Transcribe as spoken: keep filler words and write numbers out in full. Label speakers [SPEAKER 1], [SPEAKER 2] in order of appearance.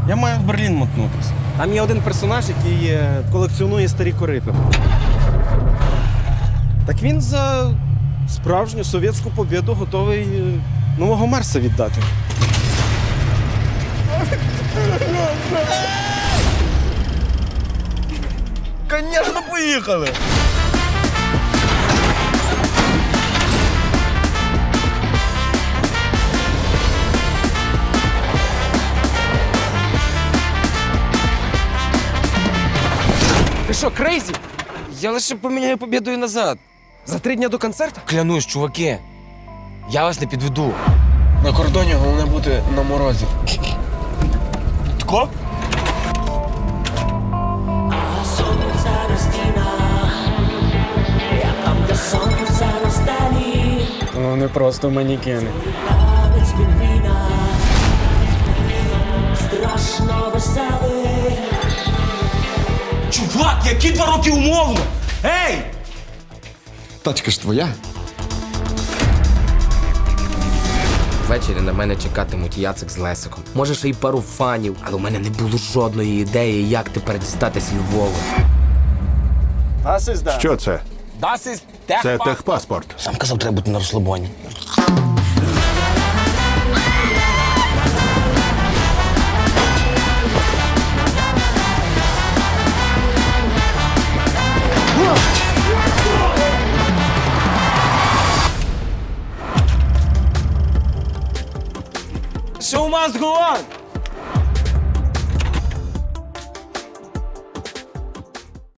[SPEAKER 1] Я маю в Берлін мотнутися.
[SPEAKER 2] Там є один персонаж, який е, колекціонує старі корити. Так він за справжню совєтську побєду готовий е, нового Мерса віддати.
[SPEAKER 1] Звісно, поїхали!
[SPEAKER 3] Ти що, крейзі? Я лише поміняю побєдою назад.
[SPEAKER 2] За три дня до концерту?
[SPEAKER 3] Клянусь, чуваки. Я вас не підведу.
[SPEAKER 4] На кордоні головне бути на морозі.
[SPEAKER 1] Тако?
[SPEAKER 2] Ну, не просто манікени.
[SPEAKER 1] Чувак, які два роки умовно? Ей!
[SPEAKER 4] Тачка ж твоя.
[SPEAKER 3] Ввечері на мене чекатимуть Яцик з Лесиком. Може, ще й пару фанів, але у мене не було жодної ідеї, як тепер дістатись Львова.
[SPEAKER 5] Що це?
[SPEAKER 3] Das ist
[SPEAKER 5] Це техпаспорт.
[SPEAKER 3] Сам казав, треба бути на розслабоні.
[SPEAKER 1] Show must go on!